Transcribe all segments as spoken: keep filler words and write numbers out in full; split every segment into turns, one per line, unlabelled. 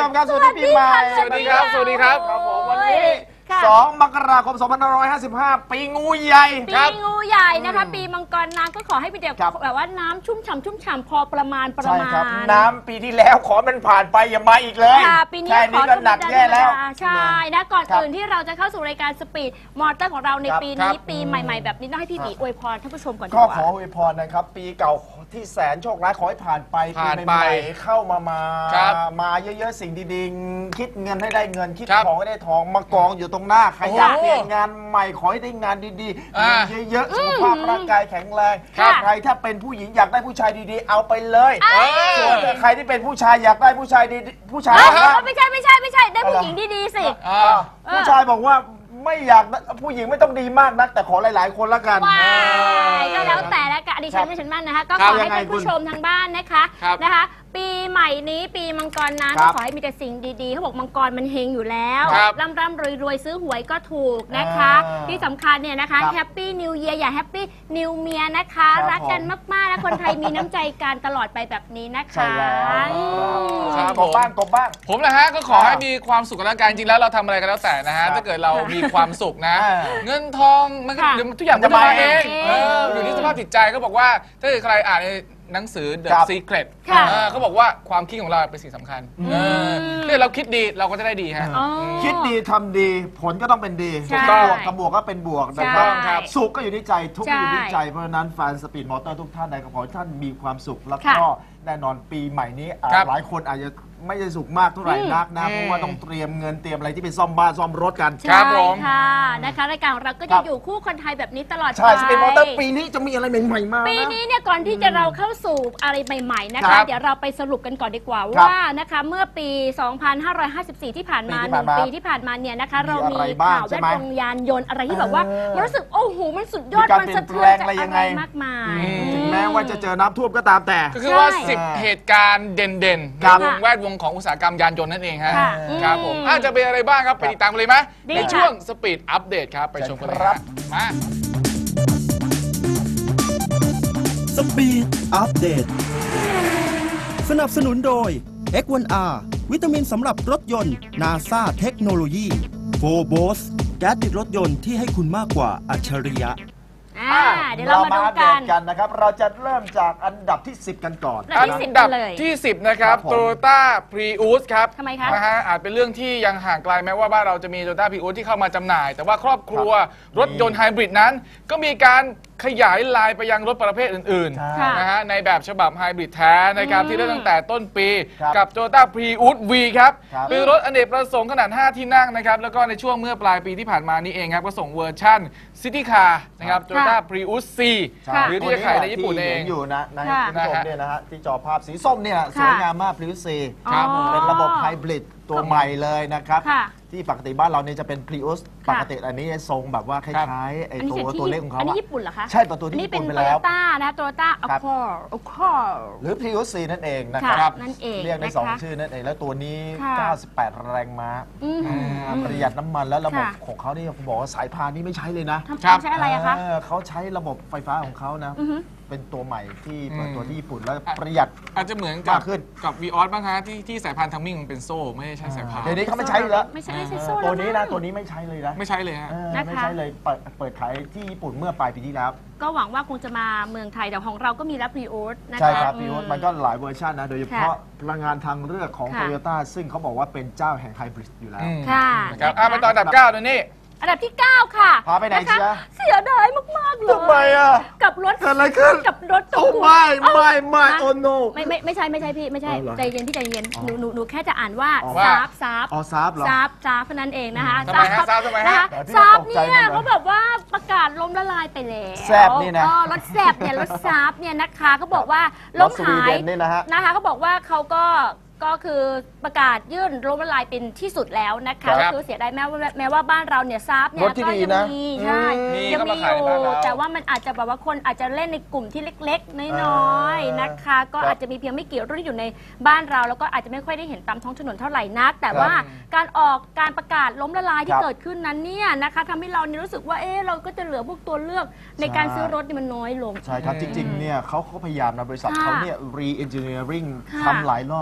มครับสวัสดีปีใหม่
สวัสดีครับสวัสดีครับ
ครับผมวันนี้สองมกราคมสองพันห้าร้อยห้าสิบห้าปีงูใหญ่
ปีงูใหญ่นะคะปีมังกรน้ำก็ขอให้เป็นเด็กแบบว่าน้ำชุ่มฉ่ำชุ่มฉ่ำพอประมาณประมาณ
น้ำปีที่แล้วขอมันผ่านไปอย่ามาอีกเลย
ค่ะปีนี้ขอ
ก็หนักแย่แล้ว
ใช่นะก่อนอื่นที่เราจะเข้าสู่รายการสปีดมอเตอร์ของเราในปีนี้ปีใหม่ๆแบบนี้ต้องให้พี่บีอวยพรท่านผู้ชมก่อน
ก็ขออวยพรนะครับปีเก่าที่แสนโชคร้ายขอให้ผ่านไปปีใหม่เข้ามามามาเยอะๆสิ่งดีๆคิดเงินให้ได้เงินคิดทองให้ได้ทองมากองอยู่ตรงหน้าใครอยากเปลี่ยนงานใหม่ขอให้ได้งานดีๆเยอะๆสุขภาพร่างกายแข็งแรงใครถ้าเป็นผู้หญิงอยากได้ผู้ชายดีๆเอาไปเลยส่วนใครที่เป็นผู้ชายอยากได้ผู้ชายดีผู้ชาย
ไม่ใช่ไม่ใช่ไม่ใช่ได้ผู้หญิงดีๆสิ
ผู้ชายบอกว่าไม่อยากผู้หญิงไม่ต้องดีมากนักแต่ขอหลายๆคนละกัน
ก็แล้วแต่ละกันดิฉันไม่ฉันมั่นนะคะก็ขอให้ท่านผู้ชมทางบ้านนะคะนะคะปีใหม่นี้ปีมังกรน้ำก็ขอให้มีแต่สิ่งดีๆเขาบอกมังกรมันเฮงอยู่แล้วร่ำร่ำรวยรวยซื้อหวยก็ถูกนะคะที่สำคัญเนี่ยนะคะแฮปปี้นิวเยียร์อย่าแฮปปี้นิวเมียนะคะรักกันมากๆและคนไทยมีน้ำใจกันตลอดไปแบบนี้นะคะ
กบบ้างกบบ้าง
ผมนะฮะก็ขอให้มีความสุขกันแล้วกันจริงแล้วเราทำอะไรกันแล้วแต่นะฮะถ้าเกิดเรามีความสุขนะเงินทองมันก็เดี๋ยวทุกอย่างจะมาเองอยู่ที่สภาพจิตใจก็บอกว่าถ้าเกิดใครอ่านหนังสือ The Secret เขาบอกว่าความคิดของเราเป็นสิ่งสำคัญถ้าเราคิดดีเราก็จะได้ดีฮะ
คิดดีทำดีผลก็ต้องเป็นดีบวกกับบวกก็เป็นบวกนะครับสุขก็อยู่ที่ใจทุกข์ก็อยู่ที่ใจเพราะฉะนั้นแฟนสปีดมอเตอร์ทุกท่านใดก็ขอให้ท่านมีความสุขแล้วก็แน่นอนปีใหม่นี้หลายคนอาจจะไม่ได้สุขมากเท่าไหร่นักนะเพราะว่าต้องเตรียมเงินเตรียมอะไรที่เป็นซ่อมบ้านซ่อมรถกัน
ใช่ค่ะนะคะรายการของเราก็จะอยู่คู่คนไทยแบบนี้ตลอดไป
ใช่สปีดมอเตอร์ปีนี้จะมีอะไรใหม่ๆมาก
ปีนี้เนี่ยก่อนที่จะเราเข้าสู่อะไรใหม่ๆนะคะเดี๋ยวเราไปสรุปกันก่อนดีกว่าว่านะคะเมื่อปีสองพันห้าร้อยห้าสิบสี่ที่ผ่านมาหนึ่งปีที่ผ่านมาเนี่ยนะคะเรามีข่าวแวดวงยานยนต์อะไรที่แบบว่ามันรู้สึกโอ้โหมันสุดยอดมันสะเทือนใจอะไรมากมาย
ถึงแม้ว่าจะเจอน้ำท่วมก็ตามแต่
ก็คือว่าสิบเหตุการณ์เด่นๆในวงแวดวงของอุตสาหกรรมยานยนต์นั่นเองฮะครับผมอาจจะเป็นอะไรบ้างครับไปติดตามเลยไหมในช่วงสปีดอัปเดตครับไปชมกันเลยครับมา
สปีดอัปเดตสนับสนุนโดย เอ็กซ์ วัน อาร์ วิตามินสำหรับรถยนต์ นาซา เทคโนโลยี โฟโบส แก๊สติดรถยนต์ที่ให้คุณมากกว่าอัจฉริยะ
เดี๋ยวเรามาดูกัน
นะครับเราจะเริ่มจากอันดับที่สิบกันก่อน
อันดับที่สิบนะครับ Toyota Prius ครับ
ทำไมคะ
นะฮะอาจเป็นเรื่องที่ยังห่างไกลแม้ว่าบ้านเราจะมี Toyota Prius ที่เข้ามาจำหน่าย แต่ว่าครอบครัวรถยนต์ไฮบริดนั้นก็มีการขยายลายไปยังรถประเภทอื่นๆนะฮะในแบบฉบับไฮบริดแท้นะครับที่เริ่มตั้งแต่ต้นปีกับ Toyota Prius V ครับเป็นรถอเนกประสงค์ขนาดห้าที่นั่งนะครับแล้วก็ในช่วงเมื่อปลายปีที่ผ่านมานี้เองครับก็ส่งเวอร์ชั่น City Car นะครับ Toyota Prius C หรือที่จะขายในญี่ปุ่นเอง
อยู่นะนะคุณผู้ชมเนี่ยนะฮะที่จอภาพสีส้มเนี่ยสวยงามมาก Prius C เป็นระบบไฮบริดตัวใหม่เลยนะครับที่ปกติบ้านเราเนี่ยจะเป็น Prius ปกติอันนี้ทรงแบบว่าคล้ายๆไอ้ตัวตัวเล็กของเขา
อันนี้ญี่ปุ่นเหรอคะ
ใช่ตัวตัวที่ญี่ปุ่นไปแล้ว
นี่เป็น Toyota นะ Toyota Accord Accord
หรือ Prius C นั่นเองนะครับ
นั่นเอง
เรียกได้สองชื่อนั่นเองแล้วตัวนี้เก้าสิบแปดแรงม้าประหยัดน้ำมันแล้วระบบของเขานี่ผมบอกว่าสายพานนี่ไม่ใช้เลยนะ
ใช้อะไรอะคะ
เขาใช้ระบบไฟฟ้าของเขานะเป็นตัวใหม่ที่เปิดตัวที่ญี่ปุ่นแล้วประหยัด
อาจจะเหมือนกับกับ วี ออส บ้างฮะที่ที่สายพานทัมมิ่งมันเป็นโซ่ไม่ได้ใช้สายพาน
เดี๋ยวนี้เขาไม่ใช้แล้ว
ไม่ใช่ไม่ใช่โซ่
ตัวนี้นะตัวนี้ไม่ใช้เลยนะ
ไม่ใช่เลยฮะ
ไม่ใช่เลยเปิดเปิดขายที่ญี่ปุ่นเมื่อปลายปีที่แล้ว
ก็หวังว่าคงจะมาเมืองไทยแต่ของเราก็มีแล้ว Prius นะคะ
ใช่ครับ Prius มันก็หลายเวอร์ชันนะโดยเฉพาะพลังงานทางเลือกของ Toyota ซึ่งเขาบอกว่าเป็นเจ้าแห่งไฮบริดอยู่แล้ว
ค่ะ
ครับมาต่ออันดับเก้าตัวนี้
อันดับที่เก้าค่ะ
พาไปไหนเชีย
เสียดายมากๆเลย
ทำไมอ่ะ
กับรถ
เกิดอะไรขึ้น
กับรถ
โอ้ไม่ไม่ไม่โอ้โน
ไม่ไม่ไม่ใช่ไม่ใช่พี่ไม่ใช่ใจเย็นพี่ใจเย็นหนูหนูหนูแค่จะอ่านว่าซาบซาบ
อ๋อซาบเหรอ
ซาบซาบนั่นเองนะคะ
ซาบซาบทำไมฮะ
ซาบเนี่ยเขาแบบว่าประกาศล้มละลายไปแล้ว
แซบนี่นะ
รถแซบเนี่ยรถซาบเนี่ยนะคะเขาบอกว่าล้มหายนะคะเขาบอกว่าเขาก็ก็คือประกาศยื่นล้มละลายเป็นที่สุดแล้วนะคะก็คือเสียดายแม้ว่าแม้ว่าบ้านเราเนี่ยซาบเนี่ยก็ยังมีใช่ยังมีอยู่แต่ว่ามันอาจจะแบบว่าคนอาจจะเล่นในกลุ่มที่เล็กๆน้อยๆนะคะก็อาจจะมีเพียงไม่กี่รุ่นที่อยู่ในบ้านเราแล้วก็อาจจะไม่ค่อยได้เห็นตามท้องถนนเท่าไหร่นักแต่ว่าการออกการประกาศล้มละลายที่เกิดขึ้นนั้นเนี่ยนะคะทำให้เราเนี่ยรู้สึกว่าเออเราก็จะเหลือพวกตัวเลือกในการซื้อรถนี่มันน้อยลง
ใช่ครับจริงๆเนี่ยเขาเขาพยายามนะบริษัทเขาเนี่ย re-engineering ทำหลายรอบแล้วนะ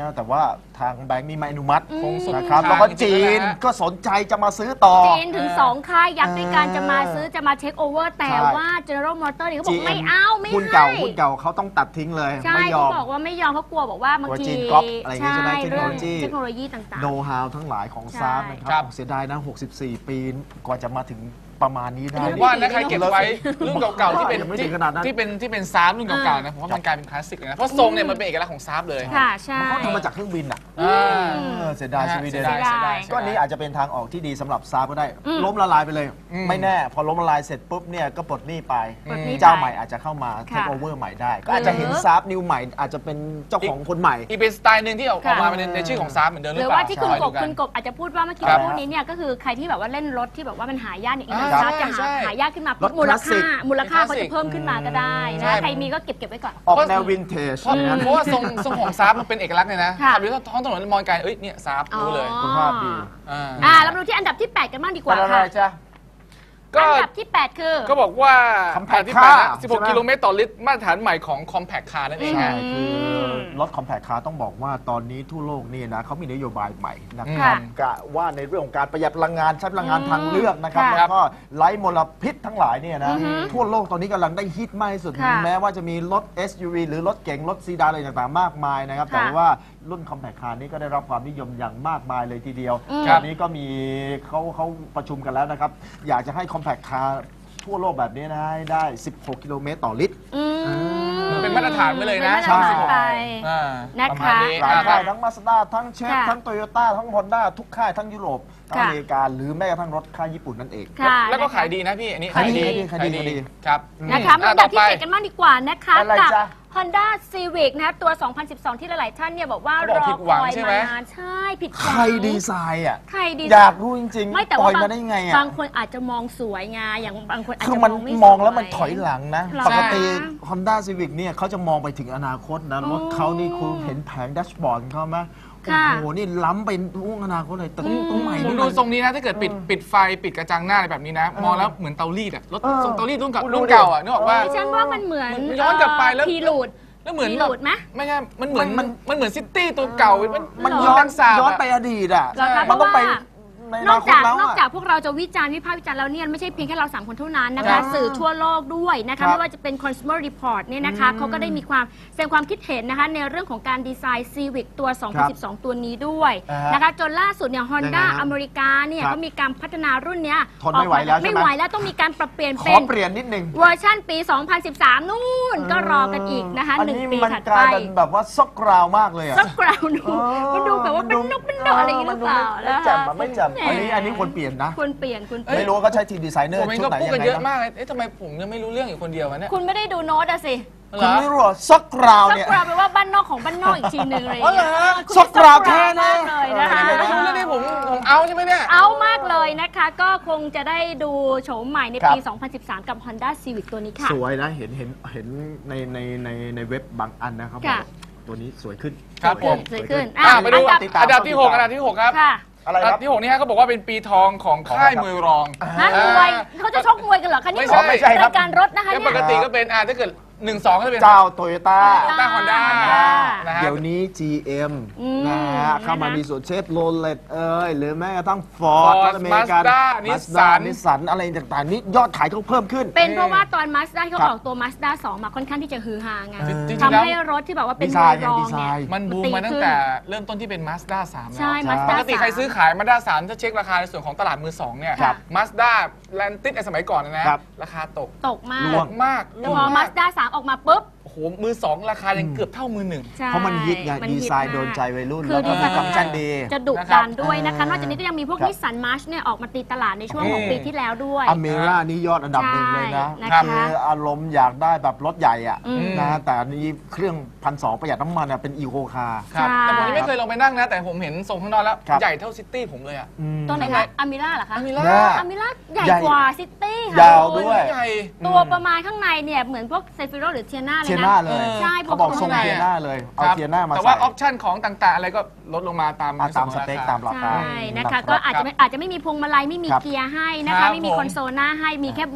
นะแต่ว่าทางแบงก์นี่ไม่อนุมัติ
คงสุด
นะครับ
ทาง
แล้วก็
จริ
จี
งๆ
น
แล้วนะ
ก็สนใจจะมาซื้อต่อ
จีนถึงสองค่ายยักษ์ด้วยกัน
เออ
จะมาซื้อจะมาเทคโอเวอร์แต่
ใช่
ว่า General Motors เนี่ยเขาบอก
จี
ไม่เอาไม่
หุ้น
ให้
เก่าหุ้นเก่าเขาต้องตัดทิ้งเลย
ใช่
ไม่ย
เขา
อม
บอกว่าไม่ยอมเขากลัวบอกว่าบาง
กลัว
ที
จีนก๊อปอะไรอย่างงี้ใช่ไหมเทคโน
เรื่
โลยี
เทคโนโลยีต่าง
โน้ตฮาวทั้งหลายของ
ใช่
ซาร์นะค
ครั
รับ บเสียดายนะหกสิบสี่ ปีกว่าจะมาถึงประมาณนี้ได้
ผมว่านะใครเก็บไว้รุ่นเก่าๆที่เป็น
ยังไม่
ที่
ถึงขนาดนั้น
ที่เป็นที่เป็นซาร์ฟรุ่นเก่าๆนะผมว่ามันกลายเป็นคลาสสิกเลยนะเพราะทรงเนี่ยมันเป็นเอกลักษณ์ของซาร์ฟเลย
ๆ ค่ะใช่
เขาทำมาจากเครื่องบินอ่ะ
อ่า
อืม
เออเสียดายสวีเดน
เสียดายเสียดาย
ก็อันนี้อาจจะเป็นทางออกที่ดีสำหรับซาร์ก็ได้
อืม
ล้มละลายไปเลย
อืม
ไม่แน่ พอล้มละลายเสร็จปุ๊บเนี่ยก็ปลดหนี้ไป
ปลดหนี้
เจ้า
ไป
ใหม่อาจจะเข้ามาเท
ค่ะ
คโอเวอร์ใหม่ได้ ก็อาจจะเห็นซาร์นิวใหม่อาจจะเป็นเจ้าของคนใหม่
อีกเป็นสไตล์หนึ่งที่ออก
ค่ะ
มาในในชื่อของซาร์ฟเหมือนเดิมห
ห
รื
รือ อ
เปล่า
ว่าที่คุณ
คอย
ก
ดู
บ
กัน
คุณกบอาจจะพูดว่าเมื่อกี้
ครับ
พวกนี้เนี่ยก็คือใครที่แบบว่าเล่นรถที่แบบว่ามันหายากเนี่ยอีก
อ่า
นะครับจะ
ใช่
หา
ใช่
หายากขึ้นมา
ถ
มูล
คลาสสิ
ค่าก มูลค่าเขาจะเพิ่มขึ้นมาก็ได้
ใช่
นะใครมีก็เก็บเก็บไว้ก่อน
ออกแนววินเทจ
เพราะ
นะ
เพราะว่าทรงทรงของซาร์ฟมันเป็นเอกลักษณ์เลยนะ
ค่ะ
ขับอยู่ท้องถนนมองไกลเอ้ยเนี่ยซาร์ฟรู้เลย
อ๋อ
คุณภาพดี
อ่า
อ่าเรามาดูที่อันดับที่แปดกันบ้างดีก
เป็
ว่าน
อะไร
ค่ะ
จ๊ะ
ก็
อันดับที่แปดคือ
ก็บอกว่า
Compact
ที่แปดนะ
car
สิบหก
ใช่ไหม
กิโลเมตรต่อลิตรมาตรฐานใหม่ของ Compact Car นั่นเอง
ใช่
ฮะ
คือรถคอมแพคคาร์ต้องบอกว่าตอนนี้ทั่วโลกนี่นะเขามีนโยบายใหม่นะค
ค่ะ
รับกะว่าในเรื่องของการประหยัดพลังงานใช้พลังงานทางเลือกนะครับ
ค่ะ
แล้วก็ไร้มลพิษทั้งหลายเนี่ยนะ
อือฮึ
ทั่วโลกตอนนี้กำลังได้ฮิตมากที่สุด
ค่ะ
แม้ว่าจะมีรถ เอส ยู วี หรือรถเก๋งรถซีดานอะไรต่างๆมากมายนะครับ
ค่ะ
แต่ว่ารุ่นคอมแพคคาร์นี้ก็ได้รับความนิยมอย่างมากมายเลยทีเดียว
อืม
ตอนนี้ก็มีเขาเขาประชุมกันแล้วนะครับอยากจะให้คอมแพคคาร์ทั่วโลกแบบนี้นะให้ได้ สิบหก กิโลเมตรต่อลิตร
อืม
มันเป็นมาตรฐานไปเลยนะ
เป็นมาตรฐานไป
อ่า
นะ
ประ
คะ
มาณนี้
หลาย
อ่า
ค่ายทั้งมาสด้าทั้งเชฟ
ค่ะ
ทั้งโตโยต้าทั้งฮอนด้าทุกค่ายทั้งยุโรปทั้ง
ค่ะ
อเมริกาหรือแม้กระทั่งรถค่ายญี่ปุ่นนั่นเอง
ค่ะ
แล้วก็
นะคะ
ขายดีนะพี่ อันนี้
ขายดีขายดีขายดี
ครับ
นะคะมา
อ่
อันดับที่
ต่อไป
เจ็ดกันบ้างดีกว่านะคะ
อะไร
กับ
จ๊ะ
Honda Civic นะคะตัว สองพันสิบสอง ที่หลาย ๆ ท่านเนี่ยบอกว่า
เขา
ร
บอก
อ
ผิด
ค
หวัง
อย
ใช่ไหม
มานานใช่ผิดห
ใค
วั
รง ดีไซน์อ่ะ
ใครดี
อยากรู้จริง
ไม่แต่
ปล่
ว่า
อย
บาง
มาได้ไงอ่ะ
บางคนอาจจะมองสวยไงอย่างบางคนอาจ
คือ
จะ
มัน
มองไม่
มองแล้วมัน
สย
ถอยหลังนะ
หรอ
ปกติ
คะ
Honda Civic เนี่ยเขาจะมองไปถึงอนาคตนะ รถเขานี่คุณเห็นแผงแดชบอร์ดเขาไหมโอ้
ค่ะ
โห นี่ล้ำไปล่วงอนาคตเลยแต่ตรงใหม่
ผม
นี่
ดู
มัน
ทรงนี้นะ ถ้าเกิดปิดปิดไฟปิดกระจังหน้าอะไรแบบนี้นะ มองแล้วเหมือนเตารีดอะรถ
เออ
ทรงเตารีดรุ่นเก่า
ดูดิ
รุ่นเก่าอะนึกออกว่า
ดิฉันว่ามันเหมือน
มันย้อนกลับไปแล้ว
พีรูด
แล้วเหมือน
มี
แบบ
หลุดไหม
ไม่ใช่มันเหมือน
มั
มัน นมันเหมือนซิตี้ตัวเก่า มัน
มัน
เหร
ย้อน
ดังสาบ
ย้อน
อะ
ไปอดีตอ่ะ
เหรอคะ
มันต้องไป
เพราะว่า
ใน
น
อ
อก
นาคต
จาก
แล้ว
นอก
อะ
จากพวกเราจะวิจารณ์วิพากษ์วิจารณ์แล้วเนี่ยไม่ใช่เพียงแค่เราสามคนเท่านั้นนะ
ครั
คะ
บ
สื่อทั่วโลกด้วยนะ
ครั
คะ
บ
ไม่ว่าจะเป็น Consumer Report เนี่ยนะคะเขาก็ได้มีความแสดงความคิดเห็นนะคะในเรื่องของการดีไซน์ Civic ตัว สองพันสิบสอง ตัวนี้ด้วย
อ่าฮะ
นะคะจนล่าสุดเนี่ย Honda
ยังไงฮะ
อเมริกาเนี่ย
ครับ
ก็มีการพัฒนารุ่นเนี้ย
ทนไม่ไหวแล้วใช่ไหม
ไม่ไหวแล้วต้องมีการปรับเปลี่ยน
ข
เป็
อน เปลี่ยนนิดนึง
เวอร์ชันปี สองพันสิบสาม นู่นก็รอกันอีกนะคะ
อัน
หนึ่ง
นี้
ปี
มัน
ถัด
กลา
ไป
ยเป็นแบบว่าซอกกราวมากเลยอ่ะ
สักกราวดู
เออ
มันดูแบบว่าเป็นนกเป็นดอกอะไรอย่างนี้หรือเปล่า
มันดูไม่
นะคะ
แจ่มอะไม่แจ่ม
แหม
อันนี้อันนี้ควรเปลี่ยนนะ
ควรเปลี่ยนคุณเปลี่ยน
ไม่รู้ว่าเขาใช้ทีมดีไซเนอร์
ผมเอง
ชุ
ก็
ดไหน
พูด
ยั
กัน
งไง
เยอะ
นะ
มากเลยเอ๊ะทำไมผมยังไม่รู้เรื่องอยู่คนเดียววะเนี่ย
คุณไม่ได้ดูโน้ตอะสิ
คุณไม่รู้เหรอซอกกราว
สัก
เนี่ย
กราวแปลว่าบ้านนอกของบ้านนอกอีกทีหนึ่งเลย
อ๋อเหรอฮะ
คุณ
สักกราวแท้นะ
มากเลยนะคะ
ผมไม่รู้เรื่องนี้ผมผมเอาใช่ไหมเนี่ย
เอามากเลยนะคะ ก็คงจะได้ดูโฉมใหม่ในปี
ครับ
สองพันสิบสาม กับ Honda Civic ตัวนี้ค่ะ
สวยนะเห็นเห็นเห็นในในในในเว็บบางอันนะครับ
ค่ะ
ตัวนี้สวยขึ้น
ครับผม
สวยขึ้น
อ่ะไปดู
อันดับ
ติดตาม
อันดับที่หกอันดับที่หกครับ
ค่ะ
อะไร
อัน
ค
ดั
รั
บบ ที่หกนี่ฮะเขาบอกว่าเป็นปีทองของค่ายมวยรอง
ฮะมวยเขาจะชกมวยกันเหรอคะนี่
ไม่ใช่
ไม่ใช่ครับ
รายการรถนะคะ
แล้ว
เนี่
ป
ย
กติก็เป็นอ่าถ้าเกิดหนึ่งสองก็จะเป็น
เจ้าโตโยต้า
ต้าฮอนด้า
Honda
นะฮะ
เดี๋ยวนี้ จี เอ็ม
อืม
นะฮะเข้ามา
นะคะ
มีส่วนเชฟโรเลตเอ้ยหรือแม้กระทั่งฟอร์ด
Ford
อเมริกัน
Mazda Nissan
นิสสันอะไรต่างๆนี่ยอดขายเขาเพิ่มขึ้น
เป็นเพราะว่าตอน Mazda เขา
ครับ
ออกตัว Mazda สองมาค่อนข้างที่จะฮือฮาไง
จริงๆ
ทำ
แล้ว
ให้รถที่แบบว่าเป็น
ดีไซ
มวย
น์ไง
รอง
ดีไซ
เนี่ย
น์
มันบูมมาตั้งแต่เริ่มต้นที่เป็น Mazda สามแล้ว
ใช่
ใช่
Mazda
ปกติใครซื้อ
สาม
ขาย Mazda สามถ้าเช็คราคาในส่วนของตลาดมือสองเนี่ย
ครับ
Mazda แลนติสสมัยก่อนนะนะครับ ราคาตก
ตกมาก
ร่วง
มาก
แต่พอ Mazda สามออกมาปุ๊บ
โอ้โหมือสองราคายังเกือบเท่ามือหนึ่ง
ใช่
เพราะมันฮิตไง
มั
ดี
ฮิต
ไซน์
มาก
โดนใจวัยรุ่น
คื
แล้
อ
วก็
ดี
มี
ไซน์
ฟังก์ชันดี
จะดุ
นะครับ
ดันด้วยนะคะ นอกจากนี้ก็ยังมีพวก
ครับ
นิสสันมาร์ชเนี่ยออกมาตีตลาดในช่วงของ
อืม
ปีที่แล้วด้วย
อเมร่านี่ยอดอันดับหนึ่งเลยนะ
ใช่นะคะ
คืออารมณ์อยากได้แบบรถใหญ่อะ
อืม
นะฮะแต่อันนี้เครื่องพันสองประหยัดน้ำมันอะเป็นอีโคคาร์
ครับ
ใช่
แต่ผมยังไม่เคยลงไปนั่งนะ แต่ผมเห็นทรงข้างนอกแล้ว
ครับ
ใหญ่เท่าซิตี้ผมเลยอะ
ตัวไหนคะอามิล่าเหรอคะ
อามิล่า
เนี่ย
อามิล่าใหญ่
ใหญ่
กว่าซิตี้ค่ะ
ยาวด้วย
ใหญ่
ตัวประมาณข้างในเนี่ยเหมือนพวกเซฟิโรหรือเทียนาเลย
เทีย
นะ
น่าเลย
ใช่
เขาบอก
พวก
ทรง
ข้างใน
เทียน่าเลย เอา
ครับ
เทียน่ามา
แต่
ใส่
ว่าออปชั่นของต่างๆ อะไรก็ลดลงมาตาม
อ่ะตาม
ใน
ส
วนของ
เปค
รค
ตามราคา
ใช่นะคะ
รับ
ก็อาจจะไม่อาจจะไม่มีพวงมาลัยไม่มี
ครับ
เกียร์ให้นะ
ครั
คะ
บ
ไม่มี
ผม
คอนโซลหน้าให้มีแค่เบาะ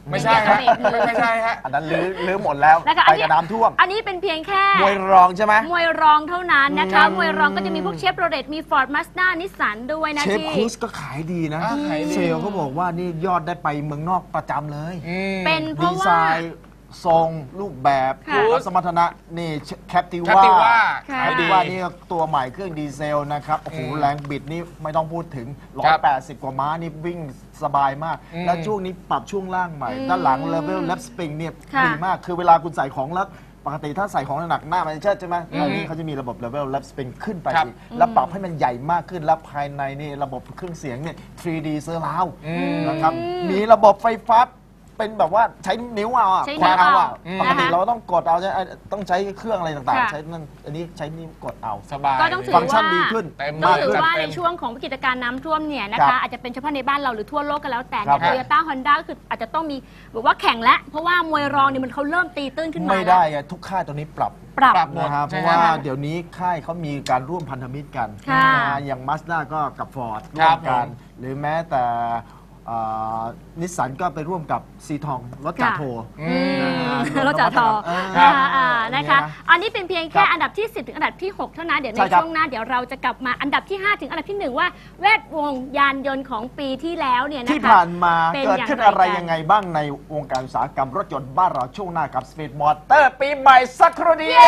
ไม่ใช่ฮะไม่ไม่ใช่ฮะ
อันนั้นลื้อลื้อหมดแล้ว
นะคะอั
ไป
นนี้
กับน้ำท่วม
อันนี้เป็นเพียงแค่
มวยรองใช่ไหม
มวยรองเท่านั้นนะคะ
อืม
มวยรองก็จะมีพวกเชฟโรเลตมีฟอร์ดมาสด้านิสสันด้วยนะ
เชฟ
ที่
ครูสก็ขายดีนะ
อ่าขายดี
เซลล์เขาบอกว่านี่ยอดได้ไปเมืองนอกประจำเลย
อืม
เป็นเพ
ดี
ราะ
ไซ
ว่า
น์ทรงรูปแบบ
ค่ะ
แล้วสมรรถนะนี่แคปติ
Captiva
ว่า
ค่ะ
แคปติว่านี่ตัวใหม่เครื่องดีเซลนะครับโอ้โห
อืม
แรงบิดนี่ไม่ต้องพูดถึง
ครับ
หนึ่งร้อยแปดสิบ กว่าม้านี่วิ่งสบายมาก
อืม
แล้วช่วงนี้ปรับช่วงล่างใหม่
อืม
ด้านหลังเลเวล lap spring เนี่ย
ค่ะ
ดีมากคือเวลาคุณใส่ของแล้วปกติถ้าใส่ของหนักๆหน้ามันจะเชิดใช่ไหม
อืม
อันนี้เขาจะมีระบบ level lap spring ขึ้นไป
ครับ
อีกแล้วปรับให้มันใหญ่มากขึ้นแล้วภายในนี่ระบบเครื่องเสียงเนี่ย ทรี ดี เซอร์ราว
อืม
นะครับมีระบบไฟฟ้าเป็นแบบว่าใช้นิ้วเอาอะ
ใช้
ควาน
นิ้ว
เอาอะ
อืม
ปกติ
นะคะ
เราต้องกดเอาใช่ไหมต้องใช้เครื่องอะไรต่าง
ค่ะ
ๆ ใช้นั่นอันนี้ใช้นิ้วกดเอา
สบาย
ก็ต้องถือ
ฟังก์ชัน
ว่า
ดีขึ้น
เต็ม
ก็
มาก
ถือว่า
จัดเต็
ใน
ม
ช่วงของวิกฤตการณ์น้ำท่วมเนี่ยนะ
ครั
คะ
บ
อาจจะเป็นเฉพาะในบ้านเราหรือทั่วโลกก็แล้วแต่
ครั
เนี่ย
บ
โตโยต้าฮอนด้าก็คืออาจจะต้องมีแบบว่าแข่งแล้วเพราะว่ามวยรองเนี่ยมันเขาเริ่มตีตื้นขึ้นมา
ไม่
แล้ว
ได้อะทุกค่ายตัวนี้ปรับ
ปรับ
ปรับ หมด
นะครับเพ
ใช่
ราะ
ไหม
ว่า
ฮะ
เดี๋ยวนี้ค่ายเขามีการร่วมพันธมิตรกัน
ค่ะ
นะอย่างมาสด้าก็กับฟอร์ด
ค
ร่
รั
ว
บ
มกัน
ผม
หรือแม้แต่นิสสันก็ไปร่วมกับซีทองรถจ่าโท
อืม
นะฮะ
รถจ่าทอ
เออ
ครับ
อ่าอ่านะคะ
อย่างเงี้ยนะ
อันนี้เป็นเพียงแค่
ครับ
อันดับที่ สิบ ถึงอันดับที่ หก เท่านั้น เดี๋ยวใน
ใช่ครับ
ช่วงหน้าเดี๋ยวเราจะกลับมาอันดับที่ ห้า ถึงอันดับที่ หนึ่ง ว่าแวดวงยานยนต์ของปีที่แล้วเนี่ยนะคะ
ที่ผ่านมา
เป็น
เกิด
อย่าง
ขึ้น
ไร
อะไร
กัน
ยังไงบ้างในวงการอุตสาหกรรมรถยนต์บ้านเราช่วงหน้ากับสปีดมอเตอร์ปีใหม่สักครู่เดียว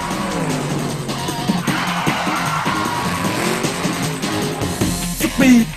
สปีด